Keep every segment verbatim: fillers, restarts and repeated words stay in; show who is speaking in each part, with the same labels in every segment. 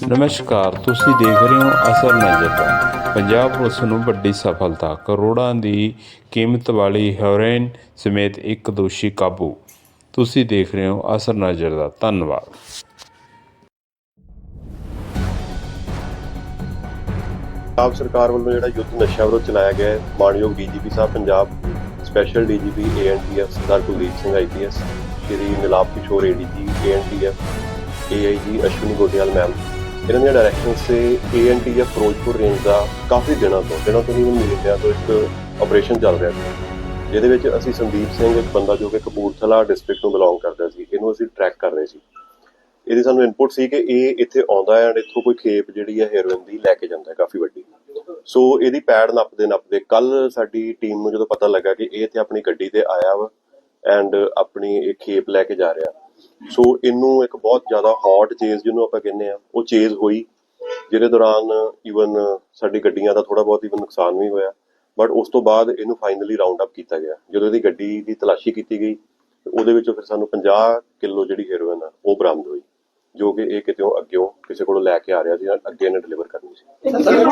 Speaker 1: ਨਮਸਕਾਰ, ਤੁਸੀਂ ਦੇਖ ਰਹੇ ਹੋ ਅਸਰ ਨਜ਼ਰ। ਪੰਜਾਬ ਪੁਲਿਸ ਨੂੰ ਵੱਡੀ ਸਫਲਤਾ, ਕਰੋੜਾਂ ਦੀ ਕੀਮਤ ਵਾਲੀ ਹੈਰੋਇਨ ਸਮੇਤ ਇੱਕ ਦੋਸ਼ੀ ਕਾਬੂ। ਤੁਸੀਂ ਦੇਖ ਰਹੇ ਹੋ ਅਸਰ ਨਜ਼ਰ ਦਾ ਧੰਨਵਾਦ।
Speaker 2: ਪੰਜਾਬ ਸਰਕਾਰ ਵੱਲੋਂ ਜਿਹੜਾ ਯੁੱਧ ਨਸ਼ਾ ਵਿਰੁੱਧ ਚਲਾਇਆ ਗਿਆ ਹੈ, ਮਾਣਯੋਗ ਡੀਜੀਪੀ ਸਾਹਿਬ Punjab, special DGP A N T F Sardar Kuldeep Singh I P S, Shri Nilap Kishore A D G A N T F, ਏ ਆਈ ਜੀ ਅਸ਼ਵਨੀ ਗੋਟਿਆਲ ਮੈਮ, ਇਹਨਾਂ ਦੀਆਂ ਡਾਇਰੈਕਸ਼ਨਸ ਤੇ A N T F Ferozepur range ਦਾ ਕਾਫੀ ਦਿਨਾਂ ਤੋਂ ਦਿਨਾਂ ਤੋਂ ਨਹੀਂ ਮਹੀਨਿਆਂ ਤੋਂ ਇੱਕ ਆਪਰੇਸ਼ਨ ਚੱਲ ਰਿਹਾ ਸੀ, ਜਿਹਦੇ ਵਿੱਚ ਅਸੀਂ ਸੰਦੀਪ ਸਿੰਘ, ਇੱਕ ਬੰਦਾ ਜੋ ਕਿ ਕਪੂਰਥਲਾ ਡਿਸਟ੍ਰਿਕਟ ਨੂੰ ਬਿਲੋਂਗ ਕਰਦਾ ਸੀ, ਇਹਨੂੰ ਅਸੀਂ ਟਰੈਕ ਕਰ ਰਹੇ ਸੀ। ਇਹਦੀ ਸਾਨੂੰ ਇਨਪੁਟ ਸੀ ਕਿ ਇਹ ਇੱਥੇ ਆਉਂਦਾ ਹੈ ਐਂਡ ਇੱਥੋਂ ਕੋਈ ਖੇਪ ਜਿਹੜੀ ਹੈ ਹੈਰੋਇਨ ਦੀ ਲੈ ਕੇ ਜਾਂਦਾ ਹੈ ਕਾਫੀ ਵੱਡੀ। ਸੋ ਇਹਦੀ ਪੈੜ ਨੱਪਦੇ ਨੱਪਦੇ ਕੱਲ ਸਾਡੀ ਟੀਮ ਨੂੰ ਜਦੋਂ ਪਤਾ ਲੱਗਾ ਕਿ ਇਹ ਇੱਥੇ ਆਪਣੀ ਗੱਡੀ ਤੇ ਆਇਆ ਵਾ ਐਂਡ ਆਪਣੀ ਇਹ ਖੇਪ ਲੈ ਕੇ ਜਾ ਰਿਹਾ, ਸੋ ਇਹਨੂੰ ਇੱਕ ਬਹੁਤ ਜ਼ਿਆਦਾ ਹੌਟ ਚੇਜ਼ ਜਿਹਨੂੰ ਆਪਾਂ ਕਹਿੰਦੇ ਆ ਉਹ ਚੇਜ਼ ਹੋਈ, ਜਿਹਦੇ ਦੌਰਾਨ ਈਵਨ ਸਾਡੀ ਗੱਡੀਆਂ ਦਾ ਥੋੜਾ ਬਹੁਤ ਈਵਨ ਨੁਕਸਾਨ ਵੀ ਹੋਇਆ। ਬਟ ਉਸ ਤੋਂ ਬਾਅਦ ਇਹਨੂੰ ਫਾਈਨਲੀ ਰਾਉਂਡ ਅਪ ਕੀਤਾ ਗਿਆ। ਜਦੋਂ ਇਹਦੀ ਗੱਡੀ ਦੀ ਤਲਾਸ਼ੀ ਕੀਤੀ ਗਈ ਉਹਦੇ ਵਿੱਚੋਂ ਫਿਰ ਸਾਨੂੰ ਪੰਜਾਹ ਕਿਲੋ ਜਿਹੜੀ ਹੈਰੋਇਨ ਆ ਉਹ ਬਰਾਮਦ ਹੋਈ, ਜੋ ਕਿ ਇਹ ਕਿਤੇੋਂ ਅੱਗਿਓਂ ਕਿਸੇ ਕੋਲੋਂ ਲੈ ਕੇ ਆ ਰਿਹਾ ਸੀ, ਅੱਗੇ ਇਹਨੇ ਡਿਲੀਵਰ ਕਰਨੀ ਸੀ।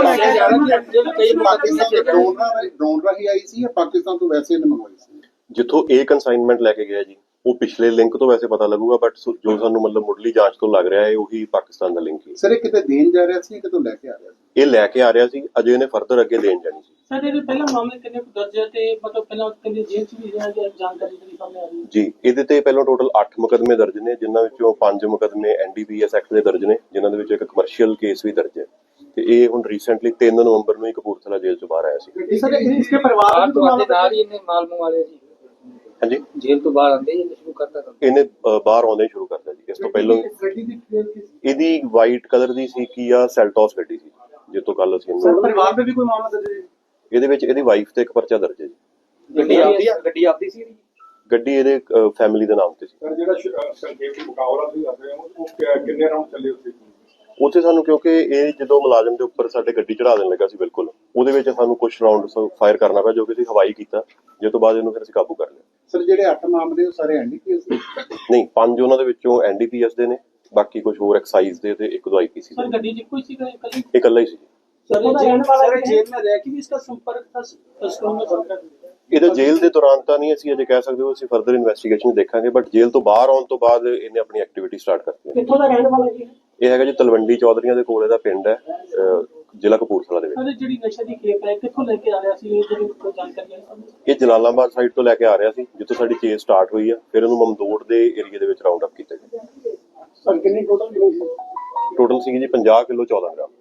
Speaker 3: ਡਰੋਨ ਰਾਹੀਂ ਆਈ ਸੀ ਜਾਂ ਪਾਕਿਸਤਾਨ ਤੋਂ ਵੈਸੇ ਇਹਨੇ ਮੰਗਵਾਈ ਸੀ?
Speaker 2: ਜਿੱਥੋਂ ਇਹ ਕੰਸਾਈਨਮੈਂਟ ਲੈ ਕੇ ਗਿਆ ਜੀ, ਉਹ ਪਿਛਲੇ ਲਿੰਕ ਤੋਂ ਵੈਸੇ ਪਤਾ ਲੱਗੂਗਾ, ਬਟ ਜੋ ਸਾਨੂੰ ਮਤਲਬ ਮੁੱਢਲੀ ਜਾਂਚ ਤੋਂ ਲੱਗ ਰਿਹਾ ਹੈ ਉਹੀ ਪਾਕਿਸਤਾਨ ਦਾ ਲਿੰਕ ਹੈ।
Speaker 3: ਸਰ ਇਹ ਕਿਤੇ ਦੇਣ ਜਾ ਰਿਹਾ ਸੀ, ਕਿਤੋਂ ਲੈ ਕੇ ਆ ਰਿਹਾ ਸੀ?
Speaker 2: ਇਹ ਲੈ ਕੇ ਆ ਰਿਹਾ ਸੀ, ਅਜੇ ਇਹਨੇ ਫਰਦਰ ਅੱਗੇ ਦੇਣ ਜਾਣੀ ਸੀ।
Speaker 4: ਸਰ ਇਹਦੇ ਪਹਿਲਾਂ ਮਾਮਲੇ ਕਿੰਨੇ ਕੁ ਦਰਜ ਹੈ ਤੇ ਮਤਲਬ ਪਹਿਲਾਂ ਕਿੰਨੇ ਜੇਲ੍ਹ ਚ ਵੀ ਰਿਹਾ ਜਾਂ ਜਾਣਕਾਰੀ ਜਿਹੜੀ ਸਾਹਮਣੇ ਆ ਰਹੀ ਹੈ?
Speaker 2: ਜੀ, ਇਹਦੇ ਤੇ ਪਹਿਲਾਂ ਟੋਟਲ ਅੱਠ ਮੁਕੱਦਮੇ ਦਰਜ ਨੇ, ਜਿਨ੍ਹਾਂ ਵਿੱਚੋਂ ਪੰਜ ਮੁਕੱਦਮੇ N D P S act ਦੇ ਦਰਜ ਨੇ, ਜਿਨ੍ਹਾਂ ਦੇ ਵਿੱਚ ਇੱਕ ਕਮਰਸ਼ੀਅਲ ਕੇਸ ਵੀ ਦਰਜ ਹੈ। ਤੇ ਇਹ ਹੁਣ ਰੀਸੈਂਟਲੀ ਤਿੰਨ ਨਵੰਬਰ ਨੂੰ ਹੀ ਕਪੂਰਥਲਾ ਜੇਲ੍ਹ ਤੋਂ ਬਾਹਰ ਆਇਆ ਸੀ।
Speaker 4: ਸਰ ਇਸਕੇ ਪਰਿਵਾਰ
Speaker 5: ਤੋਂ ਨਾਲ ਹੀ ਇਹਨੇ ਮਾਲ ਮੰਗਵਾਇਆ ਜੀ।
Speaker 2: ਹਾਂਜੀ,
Speaker 5: ਜੇਲ੍ਹ ਤੋਂ ਬਾਹਰ ਆਉਂਦੇ ਹੀ ਸ਼ੁਰੂ ਕਰਤਾ ਕੰਮ।
Speaker 2: ਇਹਨੇ ਅ, ਬਾਹਰ ਆਉਂਦੇ ਹੀ ਸ਼ੁਰੂ ਕਰਤਾ ਜੀ। ਇਸ ਤੋਂ ਪਹਿਲਾਂ
Speaker 3: ਗੱਡੀ ਦੀ
Speaker 2: ਇਹਦੀ ਵਾਈਟ ਕਲਰ ਦੀ ਸੀ ਕੀ ਆ ਸੈਲਟੋਸ ਗੱਡੀ ਸੀ, ਜਿਸ ਤੋਂ ਕੱਲ ਅਸੀਂ ਇਹਨੂੰ
Speaker 4: ਪਰਿਵਾਰ ਤੇ ਵੀ ਕੋਈ ਮਾਮਲਾ ਦਰਜ ਹੈ?
Speaker 2: ਇਹਦੇ ਵਿੱਚ ਇਹਦੀ ਵਾਈਫ ਤੇ ਇੱਕ ਪਰਚਾ ਦਰਜ ਹੈ ਜੀ।
Speaker 5: ਗੱਡੀ ਆਪਦੀ ਆ, ਗੱਡੀ ਆਪਦੀ ਸੀ ਇਹਦੀ?
Speaker 2: ਗੱਡੀ ਇਹਦੇ ਫੈਮਿਲੀ ਦੇ ਨਾਮ ਤੇ ਸੀ।
Speaker 6: ਸਰ ਜਿਹੜਾ ਸੰਖੇਪ ਮੁਕਾਬਲਾ ਤੁਸੀਂ ਦੱਸ ਰਹੇ ਹੋ ਉਹ ਕਿ- ਕਿੰਨੇ ਰਾਉਂਡ ਚੱਲੇ ਉੱਥੇ?
Speaker 2: ਉੱਥੇ ਸਾਨੂੰ ਕਿਉਂਕਿ ਇਹ ਜਦੋਂ ਮੁਲਾਜ਼ਮ ਦੇ ਉੱਪਰ ਸਾਡੇ ਗੱਡੀ ਚੜਾ ਦੇਣ ਲੱਗਾ ਸੀ, ਬਿਲਕੁਲ ਉਹਦੇ ਵਿੱਚ ਸਾਨੂੰ ਕੁਝ ਰਾਉਂਡ ਫਾਇਰ ਕਰਨਾ ਪਿਆ, ਜੋ ਕਿ ਅਸੀਂ ਹਵਾਈ ਕੀਤਾ, ਜਿਸ ਤੋਂ ਬਾਅਦ ਇਹਨੂੰ ਫਿਰ ਅਸੀਂ ਕਾਬੂ ਕਰ ਲਿਆ।
Speaker 3: ਸਰ ਜਿਹੜੇ ਅੱਠ ਮਾਮਲੇ ਉਹ ਸਾਰੇ ਐਨ ਡੀ ਪੀ ਐਸ ਦੇ?
Speaker 2: ਨਹੀਂ, ਪੰਜ ਉਹਨਾਂ ਦੇ ਵਿੱਚੋਂ ਐਨ ਡੀ ਪੀ ਐਸ ਦੇ ਨੇ, ਬਾਕੀ ਕੁਝ ਹੋਰ ਐਕਸਾਈਜ਼ ਦੇ ਤੇ ਇੱਕ ਦੋ ਆਈ ਪੀ ਸੀ
Speaker 4: सर गड्डी जी कोई सी कल
Speaker 2: ਇਹ ਇਕੱਲਾ ਹੀ ਸੀ।
Speaker 4: सर जेल सर जेल में रह के भी इसका संपर्क था तस्करों में बनकर?
Speaker 2: ਇਹਦਾ ਜੇਲ੍ਹ ਦੇ ਦੌਰਾਨ ਤਾਂ ਨਹੀਂ ਅਸੀਂ ਅਜੇ ਕਹਿ ਸਕਦੇ, ਉਹ ਅਸੀਂ ਫਰਦਰ ਇਨਵੈਸਟੀਗੇਸ਼ਨ ਦੇਖਾਂਗੇ, ਬਟ ਜੇਲ੍ਹ ਤੋਂ ਬਾਹਰ ਆਉਣ ਤੋਂ ਬਾਅਦ ਇਹਨੇ ਆਪਣੀ ਐਕਟੀਵਿਟੀ ਸਟਾਰਟ ਕਰਤੀ ਹੈ।
Speaker 4: कित्थों दा रहने वाला जी?
Speaker 2: ਇਹ ਹੈਗਾ ਜੀ ਤਲਵੰਡੀ ਚੌਧਰੀਆਂ ਦੇ ਕੋਲ ਇਹਦਾ ਪਿੰਡ ਹੈ, ਅਹ, ਜ਼ਿਲ੍ਹਾ ਕਪੂਰਥਲਾ ਦੇ ਵਿੱਚ।
Speaker 4: सर ਜਿਹੜੀ ਨਸ਼ਾ ਦੀ ਖੇਪ ਹੈ ਕਿੱਥੋਂ ਲੈ ਕੇ ਆ ਰਿਹਾ ਸੀ, ਇਹ ਜਿਹੜੀ ਕੋਈ ਜਾਣਕਾਰੀ ਹੈ ਸਾਨੂੰ?
Speaker 2: ਇਹ ਜਲਾਲਾਬਾਦ ਸਾਈਡ ਤੋਂ ਲੈ ਕੇ ਆ ਰਿਹਾ ਸੀ, ਜਿੱਥੋਂ ਸਾਡੀ ਚੇਸ ਸਟਾਰਟ ਹੋਈ ਆ, ਫਿਰ ਉਹਨੂੰ ਮਮਦੋੜ ਦੇ ਏਰੀਆ ਦੇ ਵਿੱਚ ਰਾਉਂਡ ਅਪ ਕੀਤਾ ਗਿਆ।
Speaker 4: ਸਰ ਕਿੰਨੀ ਟੋਟਲ
Speaker 2: ਟੋਟਲ ਸੀਗੀ ਜੀ ਪੰਜਾਹ ਕਿਲੋ ਚੌਦਾਂ ਗ੍ਰਾਮ।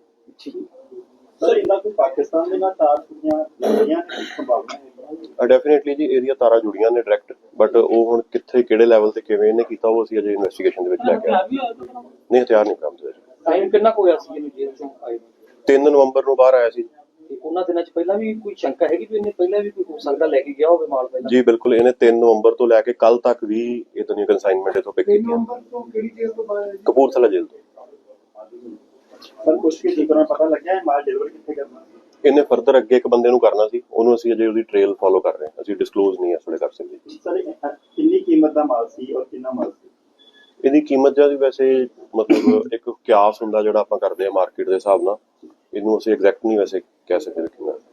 Speaker 3: ਸਰ ਇਹਨਾਂ ਕੋਈ ਪਾਕਿਸਤਾਨ ਦੇ ਨਾਲ ਤਾਰ ਜੁੜੀਆਂ ਜੁੜੀਆਂ ਦੀ ਸੰਭਾਵਨਾ ਹੈ?
Speaker 2: ਡੈਫੀਨੇਟਲੀ ਜੀ ਇਹਦੀਆਂ ਤਾਰਾਂ ਜੁੜੀਆਂ ਨੇ ਡਾਇਰੈਕਟ, ਬਟ ਉਹ ਹੁਣ ਕਿੱਥੇ ਕਿਹੜੇ ਲੈਵਲ ਤੇ ਕਿਵੇਂ ਇਹਨੇ ਕੀਤਾ ਉਹ ਅਸੀਂ ਅਜੇ ਇਨਵੈਸਟੀਗੇਸ਼ਨ ਦੇ ਵਿੱਚ ਲੈ ਕੇ ਆਏ। ਨਹੀਂ, ਹਥਿਆਰ ਨਹੀਂ ਬਰਾਮਦ ਹੋਇਆ।
Speaker 5: ਟਾਈਮ ਕਿੰਨਾ ਕੁ ਹੋਇਆ ਸੀ ਇਹਨੂੰ ਜੇਲ੍ਹ ਚੋਂ ਆਏ ਨੂੰ?
Speaker 2: ਤਿੰਨ ਨਵੰਬਰ ਨੂੰ ਬਾਹਰ ਆਇਆ ਸੀ
Speaker 5: ਤੇ ਉਹਨਾਂ ਦਿਨਾਂ ਚ ਪਹਿਲਾਂ ਵੀ ਕੋਈ ਸ਼ੰਕਾ ਹੈਗੀ ਕਿ ਇਹਨੇ ਪਹਿਲਾਂ ਵੀ ਕੋਈ ਹੋ ਸਕਦਾ ਲੈ ਕੇ ਗਿਆ ਹੋਵੇ ਮਾਲ ਪਹਿਲਾਂ?
Speaker 2: ਜੀ ਬਿਲਕੁਲ, ਇਹਨੇ ਤਿੰਨ ਨਵੰਬਰ ਤੋਂ ਲੈ ਕੇ ਕੱਲ ਤੱਕ ਵੀ ਇਤਨੀ ਕੰਸਾਈਨਮੈਂਟ ਇਥੋਂ ਪਿਕ
Speaker 3: ਤਿੰਨ
Speaker 2: ਕੀਤੀ
Speaker 3: ਨਵੰਬਰ ਤੋਂ ਕਿਹੜੀ ਜੇਲ੍ਹ ਤੋਂ ਬਾਹਰ?
Speaker 2: ਕਪੂਰਥਲਾ ਜੇਲ੍ਹ ਤੋਂ।
Speaker 3: ਸਰ ਕੁਝ ਕੀ ਠੀਕਣਾ ਪਤਾ ਲੱਗਿਆ ਹੈ ਮਾਲ ਡਿਲੀਵਰ ਕਿੱਥੇ ਕਰਨਾ?
Speaker 2: ਇਹਨੇ ਫਰਦਰ ਅੱਗੇ ਇੱਕ ਬੰਦੇ ਨੂੰ ਕਰਨਾ ਸੀ, ਉਹਨੂੰ ਅਸੀਂ ਅਜੇ ਉਹਦੀ ਟ੍ਰੇਲ ਫੋਲੋ ਕਰ ਰਹੇ ਹਾਂ, ਅਸੀਂ ਡਿਸਕਲੋਜ਼ ਨਹੀਂ ਇਸ ਵੇਲੇ ਕਰ ਸਕਦੇ।
Speaker 3: ਸਰ ਕਿੰਨੀ ਕੀਮਤ ਦਾ ਮਾਲ ਸੀ ਔਰ ਕਿੰਨਾ ਮਾਲ ਸੀ?
Speaker 2: ਇਹਦੀ ਕੀਮਤ ਜਿਹੜੀ ਵੈਸੇ ਮਤਲਬ ਇੱਕ ਕਿਆਸ ਹੁੰਦਾ ਜਿਹੜਾ ਆਪਾਂ ਕਰਦੇ ਆ ਮਾਰਕੀਟ ਦੇ ਹਿਸਾਬ ਨਾਲ, ਇਹਨੂੰ ਅਸੀਂ ਐਗਜ਼ੈਕਟ ਨਹੀਂ ਵੈਸੇ ਕਹਿ ਸਕਦੇ ਕਿੰਨਾ।